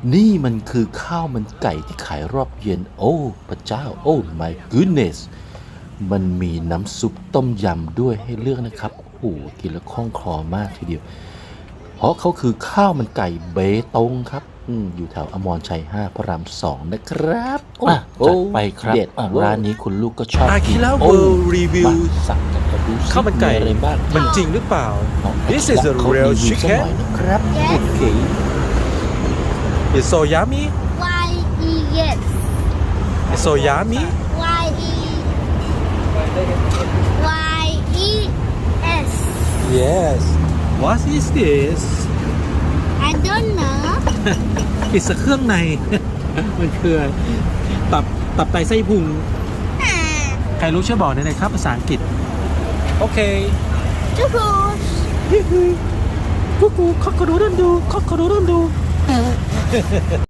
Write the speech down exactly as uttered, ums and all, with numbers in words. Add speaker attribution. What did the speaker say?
Speaker 1: นี่มันคือข้าวมันไก่ที่ขายรอบเย็นโอ้พระเจ้าโอ้ my goodness มันมีน้ำซุปต้มยำด้วยให้เลือกนะครับโอ้โหกินแล้วคล่องคลอมากทีเดียวเพราะเขาคือข้าวมันไก่เบตงครับออยู่แถวอมรชัยห้าพระรามสองนะครับอ่ะจัดไปครับร้านนี้คุณลูกก็ชอบ
Speaker 2: อา
Speaker 1: กิ
Speaker 2: คิ
Speaker 1: น
Speaker 2: ระ
Speaker 1: โอ้
Speaker 2: World Review
Speaker 1: มาสั่งกันกระดู
Speaker 2: ข้าวมันไก่
Speaker 1: อะไรบ้าง
Speaker 2: มันจริงหรือเปล่า This is a
Speaker 1: เขา
Speaker 2: real
Speaker 1: รีวิวสักห
Speaker 2: chicken
Speaker 1: น่อยนะครับโอเค
Speaker 2: It's so yummy
Speaker 3: Y E yes.
Speaker 2: It's so yummy
Speaker 3: Y E Y E S.
Speaker 2: Yes What is this
Speaker 3: I don't know.
Speaker 2: อิสเครื่องใน มันคือตับตับไตไส้พุง ใครรู้ช่วยบอกหน่อยนะครับภาษาอังกฤษ โอเค
Speaker 3: Juice.
Speaker 2: กูกูคอกกระดูดันดูคอกกระดูดันดู